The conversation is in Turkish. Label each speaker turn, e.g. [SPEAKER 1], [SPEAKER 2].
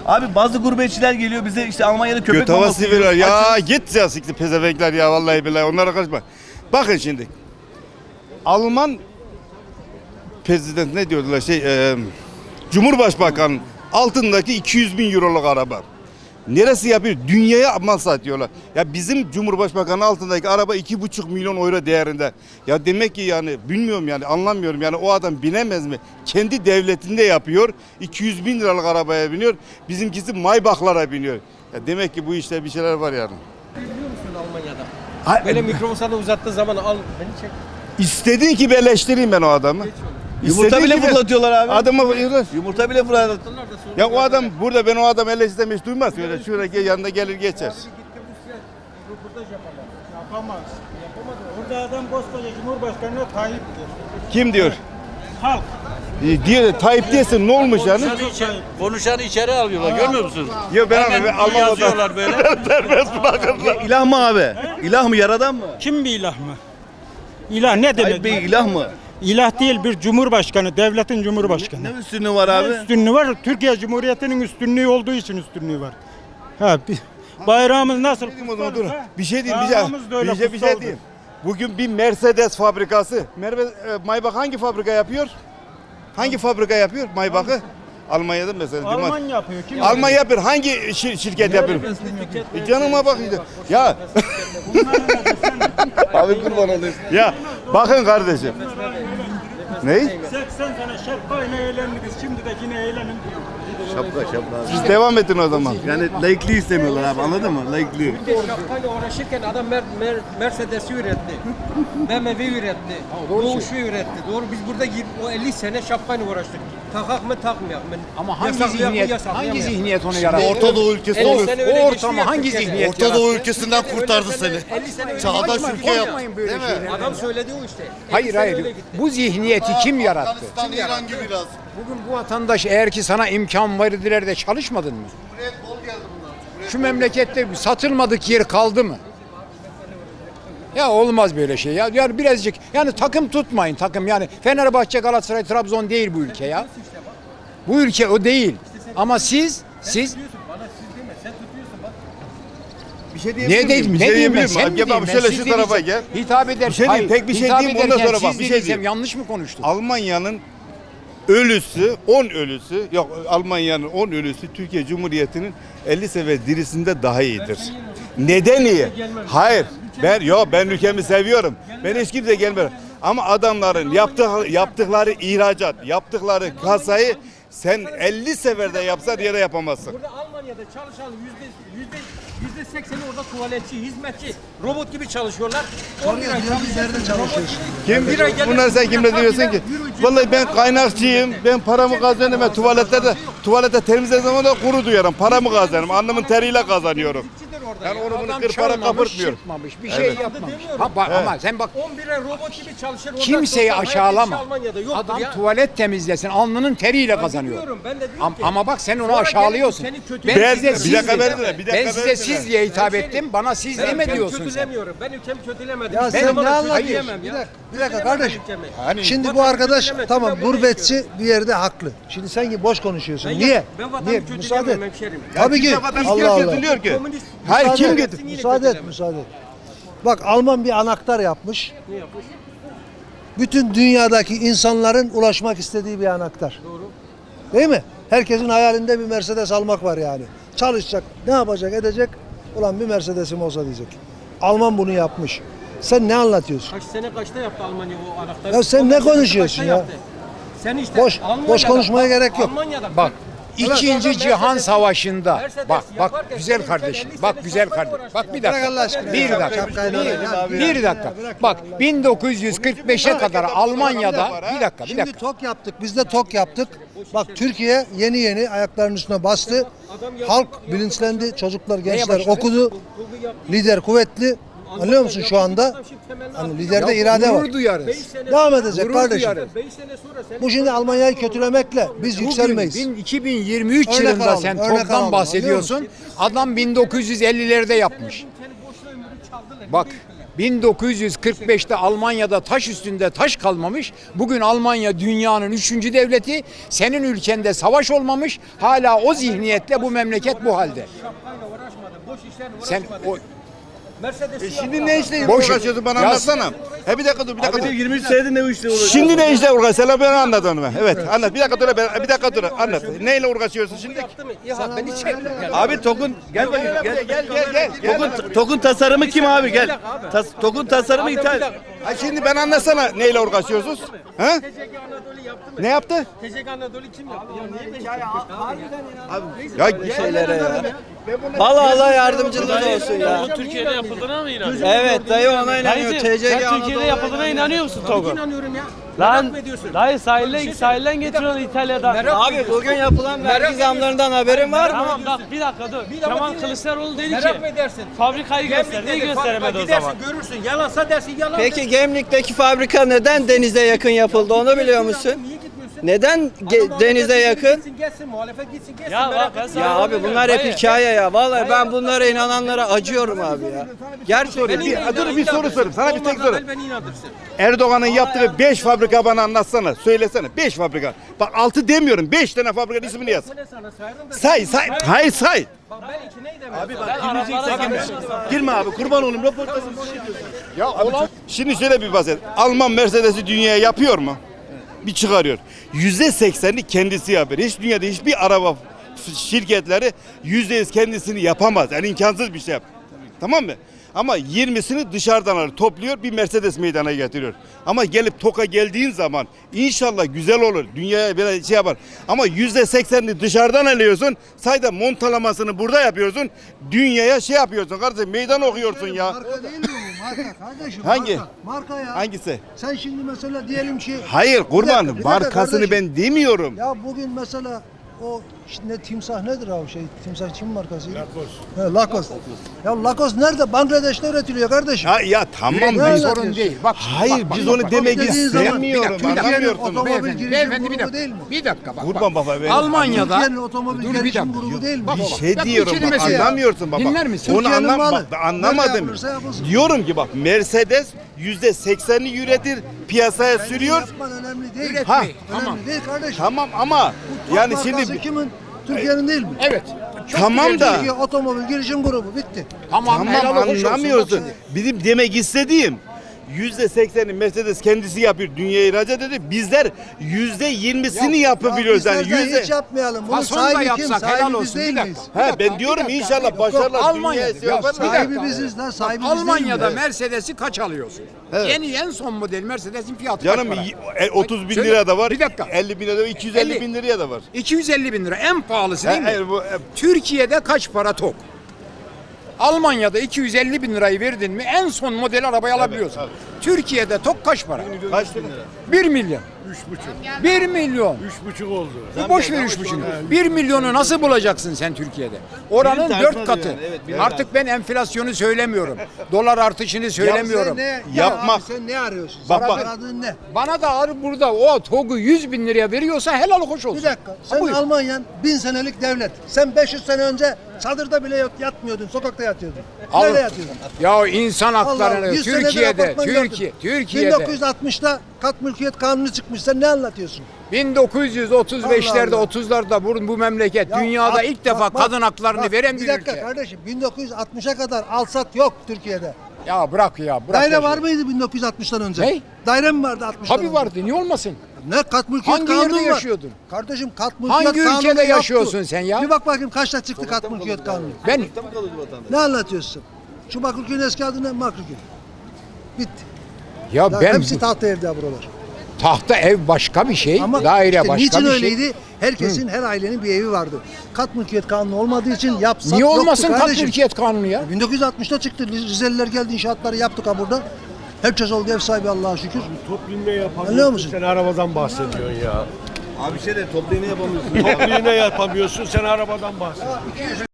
[SPEAKER 1] Abi bazı gurbetçiler geliyor bize işte Almanya'da köpek
[SPEAKER 2] Göt havası
[SPEAKER 1] maması yiyor.
[SPEAKER 2] veriyorlar. Ya git ya siktir pezevekler ya vallahi billahi onlara kaçma. Bakın şimdi. Alman prezident ne diyordular Cumhurbaşkanı altındaki 200 bin euroluk araba. Neresi yapıyor? Dünyaya mal satıyorlar. Ya bizim Cumhurbaşkanı altındaki araba 2,5 milyon euro değerinde. Ya demek ki yani bilmiyorum yani anlamıyorum yani o adam binemez mi? Kendi devletinde yapıyor. 200 bin liralık arabaya biniyor. Bizimkisi Maybach'lara biniyor. Ya demek ki bu işte bir şeyler var yani.
[SPEAKER 3] Biliyor musun Almanya'da? Böyle mikrofonu sana uzattığı zaman al beni çek.
[SPEAKER 2] İstediğin gibi eleştireyim ben o adamı.
[SPEAKER 1] Yumurta
[SPEAKER 2] İstediğin
[SPEAKER 1] bile
[SPEAKER 2] gibi
[SPEAKER 1] fırlatıyorlar abi.
[SPEAKER 2] Adamı
[SPEAKER 1] Yumurta bile fırlatıyorlar.
[SPEAKER 2] ya o adam burada ben o adam eleştirmeyi hiç duymaz. Öyle şuraya yanında gelir geçer.
[SPEAKER 4] Yapamaz. Yapamadı. Orada adam koskoca Cumhurbaşkanı Tayyip'tir.
[SPEAKER 2] Kim diyor?
[SPEAKER 4] Halk.
[SPEAKER 2] Diyor Tayyip diyorsun ne olmuş yani?
[SPEAKER 5] Konuşanı içeri alıyorlar görmüyor musun?
[SPEAKER 2] Ya ben
[SPEAKER 5] Hemen
[SPEAKER 2] Alman
[SPEAKER 5] yazıyorlar böyle.
[SPEAKER 2] Serbest bırakırlar.
[SPEAKER 1] İlah mı abi? İlah mı yaradan mı?
[SPEAKER 4] Kim bir ilah mı? İlah ne
[SPEAKER 1] Tayyip
[SPEAKER 4] demek?
[SPEAKER 1] Bey ilah mı?
[SPEAKER 4] İlah değil, bir cumhurbaşkanı, devletin cumhurbaşkanı.
[SPEAKER 1] Ne üstünlüğü var abi?
[SPEAKER 4] Üstünlüğü var. Türkiye Cumhuriyeti'nin üstünlüğü olduğu için üstünlüğü var. Ha, bayrağımız nasıl?
[SPEAKER 2] Dur. Bir şey diyeyim, bir şey diyeyim. Bugün bir Mercedes fabrikası. Maybach hangi fabrika yapıyor? Hangi fabrika yapıyor Maybach'ı? Almanya'da mesela.
[SPEAKER 4] Alman yapıyor. Kim
[SPEAKER 2] Alman yapıyor. Hangi şirket yapıyor? Canıma bak işte. Ya.
[SPEAKER 1] Abi kurban olayım.
[SPEAKER 2] Ya bakın kardeşim. Ney?
[SPEAKER 4] 80 sene şapkayla eğlendiniz. Şimdi de yine eğlenin diyor.
[SPEAKER 1] Şapka.
[SPEAKER 2] Siz devam edin o zaman.
[SPEAKER 1] Yani laikliği istemiyorlar abi anladın mı? Laikliği.
[SPEAKER 3] Bir de şapkayla uğraşırken adam Mercedes'i üretti. BMW üretti. Doğuş'u üretti. Doğru biz burada o 50 sene şapkayla uğraştık. Takak mı takmayak mı?
[SPEAKER 6] Ama hangi
[SPEAKER 3] Yasaklayak mı,
[SPEAKER 6] zihniyet,
[SPEAKER 3] yasaklayamayyak
[SPEAKER 6] hangi
[SPEAKER 3] mı?
[SPEAKER 6] zihniyet onu yarattı?
[SPEAKER 7] Orta Doğu ülkesi
[SPEAKER 3] 50
[SPEAKER 7] olur.
[SPEAKER 3] sene
[SPEAKER 6] O
[SPEAKER 3] öyle geçti
[SPEAKER 6] ortamı
[SPEAKER 3] ya
[SPEAKER 6] hangi
[SPEAKER 3] Türkiye'de.
[SPEAKER 6] zihniyet
[SPEAKER 7] Orta Doğu
[SPEAKER 6] yarattı?
[SPEAKER 7] ülkesinden kurtardı seni.
[SPEAKER 3] 50 sene öyle
[SPEAKER 7] Çağdaş
[SPEAKER 3] geçti.
[SPEAKER 7] ülke yaptı.
[SPEAKER 6] Korkmayın böyle
[SPEAKER 7] Değil mi?
[SPEAKER 6] şeylerden.
[SPEAKER 3] Adam söyledi o işte. 50
[SPEAKER 6] Hayır
[SPEAKER 3] sene
[SPEAKER 6] hayır.
[SPEAKER 3] öyle gitti.
[SPEAKER 6] Bu zihniyeti kim yarattı?
[SPEAKER 7] Afganistan, İran gibi biraz.
[SPEAKER 6] Bugün bu vatandaş eğer ki sana imkan verdiler de çalışmadın mı?
[SPEAKER 7] Cumhuriyet bol geldi bunlar.
[SPEAKER 6] Şu memlekette satılmadık yer kaldı mı? Ya olmaz böyle şey ya. Yani birazcık yani takım tutmayın takım yani Fenerbahçe, Galatasaray, Trabzon değil bu ülke ya. Bu ülke o değil. Ama siz
[SPEAKER 2] Bir şey
[SPEAKER 6] ne diyeyim ne diyeyim ben sen mi
[SPEAKER 2] Gel
[SPEAKER 6] diyeyim
[SPEAKER 2] bak
[SPEAKER 6] ben
[SPEAKER 2] şöyle
[SPEAKER 6] siz
[SPEAKER 2] şu tarafa
[SPEAKER 6] dediysem,
[SPEAKER 2] gel.
[SPEAKER 6] hitap eder.
[SPEAKER 2] Bir şey diyeyim, tek bir şey
[SPEAKER 6] hitap
[SPEAKER 2] diyeyim, ondan
[SPEAKER 6] ederken
[SPEAKER 2] sonra bak,
[SPEAKER 6] siz
[SPEAKER 2] bir şey
[SPEAKER 6] dediysem
[SPEAKER 2] diyeyim.
[SPEAKER 6] yanlış mı konuştum?
[SPEAKER 2] Almanya'nın ölüsü, 10 ölüsü, yok Almanya'nın 10 ölüsü Türkiye Cumhuriyeti'nin 50 sefer dirisinde daha iyidir. Neden iyi? Hayır. Ben ülkemi seviyorum. Ben hiç kimse gelmiyorum. Ama adamların yaptıkları ihracat, yaptıkları kasayı sen 50 seferde yapsan yere yapamazsın.
[SPEAKER 3] Burada Almanya'da çalışan %80'i orada tuvaletçi, hizmetçi, robot gibi çalışıyorlar. 10 lira nerede çalışıyorsun?
[SPEAKER 2] Kim? Bunlar sen kimle diyorsun ki? Vallahi ben kaynakçıyım. Ben paramı kazanıyorum. Ben tuvalette temizlediğim zaman da kuru duyarım. Paramı kazanıyorum. Alnımın teriyle kazanıyorum. Yani onu bunu
[SPEAKER 6] Adam
[SPEAKER 2] kır para
[SPEAKER 6] çalmamış,
[SPEAKER 2] kapırtmıyor.
[SPEAKER 6] çırpmamış, bir şey yapmamış. Ha, bak, ama sen bak
[SPEAKER 3] 11 lira robot gibi çalışır. Orada
[SPEAKER 6] kimseyi
[SPEAKER 3] sosyal hayat
[SPEAKER 6] aşağılama.
[SPEAKER 3] hiç Almanya'da yoktur
[SPEAKER 6] Adam
[SPEAKER 3] ya.
[SPEAKER 6] tuvalet temizlesin, alnının teriyle
[SPEAKER 3] Ben
[SPEAKER 6] kazanıyor.
[SPEAKER 3] biliyorum, ben de diyorum ki.
[SPEAKER 6] Ama bak sen onu
[SPEAKER 3] Sonra
[SPEAKER 6] aşağılıyorsun.
[SPEAKER 3] gelip seni
[SPEAKER 6] Ben
[SPEAKER 3] kötülemek
[SPEAKER 6] size
[SPEAKER 3] istiyorum.
[SPEAKER 6] siz
[SPEAKER 2] Bir dakika
[SPEAKER 6] diye-
[SPEAKER 2] verin de, bir dakika
[SPEAKER 6] ben size
[SPEAKER 2] verin
[SPEAKER 6] siz
[SPEAKER 2] de.
[SPEAKER 6] diye hitap ettim. Bana siz
[SPEAKER 3] Ben
[SPEAKER 6] deme
[SPEAKER 3] ülkemi
[SPEAKER 6] diyorsun sen.
[SPEAKER 3] kötülemiyorum. Ben ülkemi kötülemedim.
[SPEAKER 8] Ya
[SPEAKER 3] Hiçbir
[SPEAKER 8] sen
[SPEAKER 3] zaman
[SPEAKER 8] ne
[SPEAKER 3] da
[SPEAKER 8] anlatıyorsun?
[SPEAKER 3] kötüleyemem ya.
[SPEAKER 8] Bir dakika kardeşim.
[SPEAKER 6] Hani
[SPEAKER 8] Şimdi bu
[SPEAKER 3] Vatanı
[SPEAKER 8] arkadaş
[SPEAKER 3] kötülemez,
[SPEAKER 8] tamam
[SPEAKER 3] ben bunu
[SPEAKER 8] gurbetçi
[SPEAKER 3] istiyorum.
[SPEAKER 8] bir yerde haklı. Şimdi sen gibi boş konuşuyorsun.
[SPEAKER 3] Ben
[SPEAKER 8] Niye?
[SPEAKER 3] Ben vatanı
[SPEAKER 8] Niye?
[SPEAKER 3] kötüleyemem
[SPEAKER 8] Müsaade et.
[SPEAKER 3] hemşerim.
[SPEAKER 8] Tabii ki. Allah Allah.
[SPEAKER 2] Getiriyor ki.
[SPEAKER 3] Komünist
[SPEAKER 2] Hayır kim
[SPEAKER 8] Müsaade et,
[SPEAKER 2] getir?
[SPEAKER 8] müsaade et. Bak Alman bir anahtar yapmış.
[SPEAKER 3] ne yapmış?
[SPEAKER 8] Bütün dünyadaki insanların ulaşmak istediği bir anahtar.
[SPEAKER 3] Doğru.
[SPEAKER 8] Değil mi? Herkesin hayalinde bir Mercedes almak var yani. Çalışacak, ne yapacak, edecek? Ulan bir Mercedes'im olsa diyecek. Alman bunu yapmış. Sen ne anlatıyorsun?
[SPEAKER 3] Kaç sene kaçta yaptı Almanya o anahtarı?
[SPEAKER 8] Ya sen
[SPEAKER 3] 15
[SPEAKER 8] ne
[SPEAKER 3] sene
[SPEAKER 8] konuşuyorsun
[SPEAKER 3] kaçta
[SPEAKER 8] ya?
[SPEAKER 3] yaptı? Sen işte
[SPEAKER 8] Boş
[SPEAKER 3] Almanya'da-
[SPEAKER 8] konuşmaya gerek yok.
[SPEAKER 3] Almanya'da
[SPEAKER 6] Bak İkinci Cihan Savaşı'nda
[SPEAKER 3] Mercedes
[SPEAKER 6] bak
[SPEAKER 3] yaparken
[SPEAKER 6] güzel
[SPEAKER 3] senin
[SPEAKER 6] kardeşim
[SPEAKER 3] ülken
[SPEAKER 6] bak
[SPEAKER 3] 50
[SPEAKER 6] güzel
[SPEAKER 3] sene
[SPEAKER 6] kardeşim
[SPEAKER 3] uğraştı
[SPEAKER 6] bak
[SPEAKER 3] ya.
[SPEAKER 6] bir
[SPEAKER 8] Bırak
[SPEAKER 6] dakika
[SPEAKER 8] Allah aşkına
[SPEAKER 6] bir
[SPEAKER 8] ya.
[SPEAKER 6] dakika
[SPEAKER 8] Şapkayla oynayan.
[SPEAKER 6] bir dakika bak 1945'e kadar Almanya'da bir dakika
[SPEAKER 8] Şimdi tok yaptık. Biz de tok yaptık. Bak Türkiye yeni yeni ayaklarının üstüne bastı. Halk bilinçlendi. Çocuklar, gençler
[SPEAKER 6] başladı?
[SPEAKER 8] okudu. Lider kuvvetli. Anlıyor musun şu anda? Hani liderde irade var.
[SPEAKER 6] gurur duyarız.
[SPEAKER 8] Devam edecek
[SPEAKER 6] Gurur
[SPEAKER 8] kardeşim.
[SPEAKER 6] duyarız.
[SPEAKER 3] 5 sene sonra sen
[SPEAKER 8] Bu şimdi Almanya'yı kötülemekle biz yükselmeyiz.
[SPEAKER 6] 2023
[SPEAKER 8] Örnek
[SPEAKER 6] yılında
[SPEAKER 8] alalım,
[SPEAKER 6] sen
[SPEAKER 8] örnek
[SPEAKER 6] TOG'dan
[SPEAKER 8] alalım,
[SPEAKER 6] bahsediyorsun. Adam 1950'lerde yapmış.
[SPEAKER 3] seni boşuna ömrü çaldılar.
[SPEAKER 6] Bak 1945'te Almanya'da taş üstünde taş kalmamış. Bugün Almanya dünyanın 3. devleti. Senin ülkende savaş olmamış. Hala o zihniyetle bu memleket bu halde.
[SPEAKER 3] Şapkayla uğraşmadı. Boş işlerle
[SPEAKER 6] Sen
[SPEAKER 3] uğraşmadı.
[SPEAKER 6] o
[SPEAKER 3] Mercedes'i
[SPEAKER 2] Şimdi ne işle
[SPEAKER 6] Boş-
[SPEAKER 2] uğraşıyorsun bana
[SPEAKER 6] Ya-
[SPEAKER 2] anlatsana. He bir dakika dur, bir dakika dur.
[SPEAKER 1] 23 senedir ne işle uğraşıyor?
[SPEAKER 2] Şimdi ne işle uğraşıyorsun? Ben anladım ben. Evet, anlat. Bir dakika dur, bir dakika dur. Anlat. Neyle uğraşıyorsun şimdi?
[SPEAKER 3] yaptı mı? İHA beni çek.
[SPEAKER 1] Abi TOG'un gel bakayım gel.
[SPEAKER 2] Gel.
[SPEAKER 1] TOG'un tasarımı kim abi gel. TOG'un tasarımı ithal.
[SPEAKER 2] Ha şimdi ben anlatsana neyle uğraşıyorsunuz? Ha?
[SPEAKER 3] TCG Anadolu yaptı mı?
[SPEAKER 2] Ne yaptı?
[SPEAKER 3] TCG Anadolu kim yaptı? Ya niye beş
[SPEAKER 2] Ya
[SPEAKER 9] şeylere ya. Allah Allah yardımcınız olsun ya.
[SPEAKER 5] Türkiye'de yapıldığına mı inanıyorsun?
[SPEAKER 9] Evet dayı ona inanıyor.
[SPEAKER 5] Dayıcım,
[SPEAKER 9] TCG
[SPEAKER 5] sen
[SPEAKER 9] Anadolu.
[SPEAKER 5] Türkiye'de yapıldığına inanıyor musun Togo?
[SPEAKER 3] İnanıyorum ya.
[SPEAKER 5] Lan
[SPEAKER 3] Merak mı ediyorsun?
[SPEAKER 5] dayı sahilden getiriyorsun İtalya'dan.
[SPEAKER 3] Merak mı
[SPEAKER 9] Abi
[SPEAKER 3] ediyorsun?
[SPEAKER 9] bugün yapılan vergi zamlarından haberin var mı?
[SPEAKER 5] Tamam bak bir dakika dur.
[SPEAKER 3] dakika
[SPEAKER 5] Kemal
[SPEAKER 3] dinle.
[SPEAKER 5] Kılıçdaroğlu dedi
[SPEAKER 3] Merak
[SPEAKER 5] ki
[SPEAKER 3] mı edersin?
[SPEAKER 5] fabrikayı göster.
[SPEAKER 3] Gemlik'te
[SPEAKER 5] Niye
[SPEAKER 3] de
[SPEAKER 5] gösteremedi o
[SPEAKER 3] gidersin,
[SPEAKER 5] zaman?
[SPEAKER 3] görürsün. Yalansa dersin yalan.
[SPEAKER 9] Peki Gemlik'teki fabrika neden denize yakın yapıldı onu biliyor musun?
[SPEAKER 3] Niye gitmiyorsun?
[SPEAKER 9] Neden
[SPEAKER 3] Adam
[SPEAKER 9] denize
[SPEAKER 3] muhalefet
[SPEAKER 9] yakın?
[SPEAKER 3] Gitsin gelsin, muhalefet gitsin gelsin.
[SPEAKER 5] Ya
[SPEAKER 3] merak
[SPEAKER 5] bak ben
[SPEAKER 3] etme.
[SPEAKER 9] Ya
[SPEAKER 5] sana
[SPEAKER 9] abi bunlar hep hikaye ya. Vallahi ben bunlara inananlara acıyorum abi ya. Gerçekten.
[SPEAKER 2] Dur bir soru sorayım. Sana bir tek
[SPEAKER 3] Olmazsa
[SPEAKER 2] soru.
[SPEAKER 3] beni inandırsın.
[SPEAKER 2] Erdoğan'ın yaptığı 5 fabrika bana anlatsana. Söylesene 5 fabrika. Bak 6 demiyorum. 5 tane fabrikanın ismini yaz.
[SPEAKER 3] Bu ne sana sayarım da.
[SPEAKER 2] Say. Hayır say.
[SPEAKER 3] Bak ben iki neydim?
[SPEAKER 1] Abi bak girmeyeceksen girme. Girme abi kurban olayım röportajı.
[SPEAKER 2] Ya şimdi şöyle bir bahset. Alman Mercedes'i dünyaya yapıyor mu? Bir çıkarıyor. %80'i kendisi yapıyor. Hiç dünyada hiçbir araba şirketleri %100 kendisini yapamaz. Yani imkansız bir şey yap. Tamam mı? Ama 20'sini dışarıdan alır, topluyor bir Mercedes meydana getiriyor. Ama gelip TOK'a geldiğin zaman inşallah güzel olur. Dünyaya böyle şey yapar. Ama %80'ini dışarıdan alıyorsun. Sayda montalamasını burada yapıyorsun. Dünyaya şey yapıyorsun. Kardeşim meydan okuyorsun ya.
[SPEAKER 8] Marka değil mi bu? Marka kardeşim.
[SPEAKER 2] Hangi?
[SPEAKER 8] Marka, marka ya.
[SPEAKER 2] Hangisi?
[SPEAKER 8] Sen şimdi mesela diyelim ki
[SPEAKER 2] Hayır kurban.
[SPEAKER 8] Bir dakika
[SPEAKER 2] Markasını
[SPEAKER 8] kardeşim.
[SPEAKER 2] ben demiyorum.
[SPEAKER 8] Ya bugün mesela o ne timsah nedir abi şey timsah Çin markası? Lacoste. Ya Lacoste nerede? Bangladeş'te üretiliyor kardeşim.
[SPEAKER 2] Ya tamam
[SPEAKER 8] Ne
[SPEAKER 2] bir
[SPEAKER 8] alakası
[SPEAKER 2] sorun
[SPEAKER 8] yok?
[SPEAKER 2] değil. Bak hayır biz onu demek
[SPEAKER 8] dediğin zaman-
[SPEAKER 2] istemiyorum.
[SPEAKER 8] Bir dakika,
[SPEAKER 2] Anlamıyorsunuz.
[SPEAKER 8] otomobil
[SPEAKER 6] Beyefendi,
[SPEAKER 8] girişim
[SPEAKER 6] beyefendi bir
[SPEAKER 8] grubu
[SPEAKER 6] dakika.
[SPEAKER 8] değil mi?
[SPEAKER 6] Bir dakika bak.
[SPEAKER 2] Kurban baba ben.
[SPEAKER 6] Almanya'da
[SPEAKER 8] Türkiye'nin otomobil
[SPEAKER 6] Dur bir
[SPEAKER 8] gelişim
[SPEAKER 6] dakika.
[SPEAKER 8] grubu değil mi?
[SPEAKER 6] Bak,
[SPEAKER 2] Bir
[SPEAKER 6] bak,
[SPEAKER 2] şey
[SPEAKER 6] bak, bu
[SPEAKER 2] diyorum bak
[SPEAKER 6] kelimesi ya.
[SPEAKER 2] anlamıyorsun baba.
[SPEAKER 6] Dinler misin?
[SPEAKER 2] Onu
[SPEAKER 8] Türkiye'nin malı.
[SPEAKER 2] bak anlamadım.
[SPEAKER 8] Böyle yapılırsa yapılsın.
[SPEAKER 2] Diyorum ki bak Mercedes %80'ini üretir piyasaya sürüyor.
[SPEAKER 8] Yapman önemli değil.
[SPEAKER 2] Ha
[SPEAKER 8] Önemli değil kardeşim.
[SPEAKER 2] tamam ama yani
[SPEAKER 8] Markası
[SPEAKER 2] şimdi
[SPEAKER 8] kimin? Türkiye'nin değil mi?
[SPEAKER 6] Evet.
[SPEAKER 2] tamam da
[SPEAKER 8] Türkiye otomobil girişim grubu bitti.
[SPEAKER 6] Tamam helal
[SPEAKER 2] tamam
[SPEAKER 6] hoş olsun.
[SPEAKER 2] anlamıyorsun.
[SPEAKER 6] Bak
[SPEAKER 2] Bizim demek istediğim %80'i Mercedes kendisi yapıyor, dünyaya ihracat ediyor. Bizler %20'sini yapabiliyoruz yani.
[SPEAKER 8] Bizler de hiç yapmayalım. Bunun
[SPEAKER 6] Fason da
[SPEAKER 8] sahibi kim?
[SPEAKER 6] yapsak helal
[SPEAKER 8] Sahibi
[SPEAKER 6] olsun.
[SPEAKER 8] biz değil
[SPEAKER 6] Bir dakika.
[SPEAKER 8] miyiz?
[SPEAKER 2] Ha ben diyorum inşallah başarılar
[SPEAKER 6] Almanya'da
[SPEAKER 2] dünyaya
[SPEAKER 6] ya,
[SPEAKER 2] yaparlar.
[SPEAKER 6] bir
[SPEAKER 8] Sahibi
[SPEAKER 6] dakika.
[SPEAKER 8] biziz lan. Sahibi
[SPEAKER 6] Bak,
[SPEAKER 8] biz değil
[SPEAKER 6] Almanya'da
[SPEAKER 8] miyiz?
[SPEAKER 6] Mercedes'i kaç alıyorsun?
[SPEAKER 2] Evet.
[SPEAKER 6] En son model Mercedes'in fiyatı
[SPEAKER 2] Canım
[SPEAKER 6] kaç para?
[SPEAKER 2] 30 bin
[SPEAKER 6] Söyle,
[SPEAKER 2] lira da var,
[SPEAKER 6] bir dakika.
[SPEAKER 2] 50 bin lira da var, 250
[SPEAKER 6] 50.
[SPEAKER 2] bin liraya da var.
[SPEAKER 6] 250 bin lira en pahalısı değil mi?
[SPEAKER 2] Hayır, bu,
[SPEAKER 6] Türkiye'de kaç para TOG? Almanya'da 250 bin lirayı verdin mi en son model arabayı alabiliyorsun. Türkiye'de TOG kaç para?
[SPEAKER 2] kaç lira?
[SPEAKER 6] 1 milyon. 3,5. 1 milyon. 3,5 oldu. Boş ver 3,5. 1 milyonu nasıl bulacaksın sen Türkiye'de? Oranın
[SPEAKER 1] Birim
[SPEAKER 6] 4
[SPEAKER 1] tartmaz
[SPEAKER 6] katı.
[SPEAKER 1] yani, evet,
[SPEAKER 6] Artık ben enflasyonu söylemiyorum. Dolar artışını söylemiyorum.
[SPEAKER 2] Yapmak.
[SPEAKER 8] Sen ne arıyorsun?
[SPEAKER 2] Bak,
[SPEAKER 8] Sana
[SPEAKER 2] bak.
[SPEAKER 8] aradığın ne?
[SPEAKER 6] Bana da abi burada o TOG'u 100 bin liraya veriyorsa helal hoş olsun.
[SPEAKER 8] Bir dakika. Sen
[SPEAKER 6] buyur.
[SPEAKER 8] Almanya'nın 1000 senelik devlet. Sen 500 sene önce çadırda bile yatmıyordun. Sokakta yatıyordun. Nerede yatıyordun?
[SPEAKER 6] Ya insan
[SPEAKER 8] Allah,
[SPEAKER 6] haklarını
[SPEAKER 8] 100 senedir
[SPEAKER 6] Türkiye'de,
[SPEAKER 8] apartman gördün.
[SPEAKER 6] Türkiye'de
[SPEAKER 8] 1960'da kat mülkiyet kanunu çıkmış. Sen ne anlatıyorsun?
[SPEAKER 6] 1935'lerde
[SPEAKER 8] Allah.
[SPEAKER 6] 30'larda bu memleket
[SPEAKER 8] Ya
[SPEAKER 6] dünyada
[SPEAKER 8] bak,
[SPEAKER 6] ilk defa
[SPEAKER 8] bak,
[SPEAKER 6] kadın haklarını
[SPEAKER 8] bak,
[SPEAKER 6] veren bir
[SPEAKER 8] Bir dakika
[SPEAKER 6] ülke.
[SPEAKER 8] kardeşim 1960'a kadar alsat yok Türkiye'de.
[SPEAKER 6] Ya bırak ya bırak.
[SPEAKER 8] Daire
[SPEAKER 6] ya.
[SPEAKER 8] var mıydı 1960'tan önce?
[SPEAKER 6] Ne?
[SPEAKER 8] Daire mi vardı 60'tan
[SPEAKER 6] Tabii
[SPEAKER 8] önce?
[SPEAKER 6] vardı niye olmasın?
[SPEAKER 8] Ne kat mülkiyet
[SPEAKER 6] Hangi
[SPEAKER 8] kanunu
[SPEAKER 6] yerde
[SPEAKER 8] var?
[SPEAKER 6] yaşıyordun?
[SPEAKER 8] Kardeşim kat mülkiyet
[SPEAKER 6] Hangi
[SPEAKER 8] kanunu
[SPEAKER 6] ülkede
[SPEAKER 8] yoktu.
[SPEAKER 6] yaşıyorsun sen ya?
[SPEAKER 8] Bir bak bakayım kaçta çıktı kat mülkiyet kanunu?
[SPEAKER 6] Ben
[SPEAKER 8] Ne anlatıyorsun? Şu Bakırköy'ün eski adı ne? Bakırköy. Bitti.
[SPEAKER 6] ya
[SPEAKER 8] Ya
[SPEAKER 6] ben
[SPEAKER 8] hepsi tahta evde buralar.
[SPEAKER 6] tahta ev başka bir şey,
[SPEAKER 8] Ama
[SPEAKER 6] daire
[SPEAKER 8] işte
[SPEAKER 6] başka
[SPEAKER 8] niçin
[SPEAKER 6] bir
[SPEAKER 8] öyleydi?
[SPEAKER 6] şey.
[SPEAKER 8] Herkesin, her ailenin bir evi vardı. Kat mülkiyet kanunu olmadığı için yapsak
[SPEAKER 6] Niye
[SPEAKER 8] yoktu
[SPEAKER 6] olmasın kat
[SPEAKER 8] kardeşim.
[SPEAKER 6] mülkiyet kanunu ya?
[SPEAKER 8] 1960'ta çıktı. Rizeliler geldi, inşaatları yaptık ha burada. Herkes oldu ev sahibi Allah'a şükür.
[SPEAKER 4] Toplu
[SPEAKER 8] Anlıyor
[SPEAKER 4] yapamıyorsun.
[SPEAKER 8] musun?
[SPEAKER 4] Sen arabadan bahsediyorsun ya.
[SPEAKER 1] Abi şey de toplu iğne yapamıyorsun.
[SPEAKER 4] Toplu yapamıyorsun. Sen arabadan bahsediyorsun.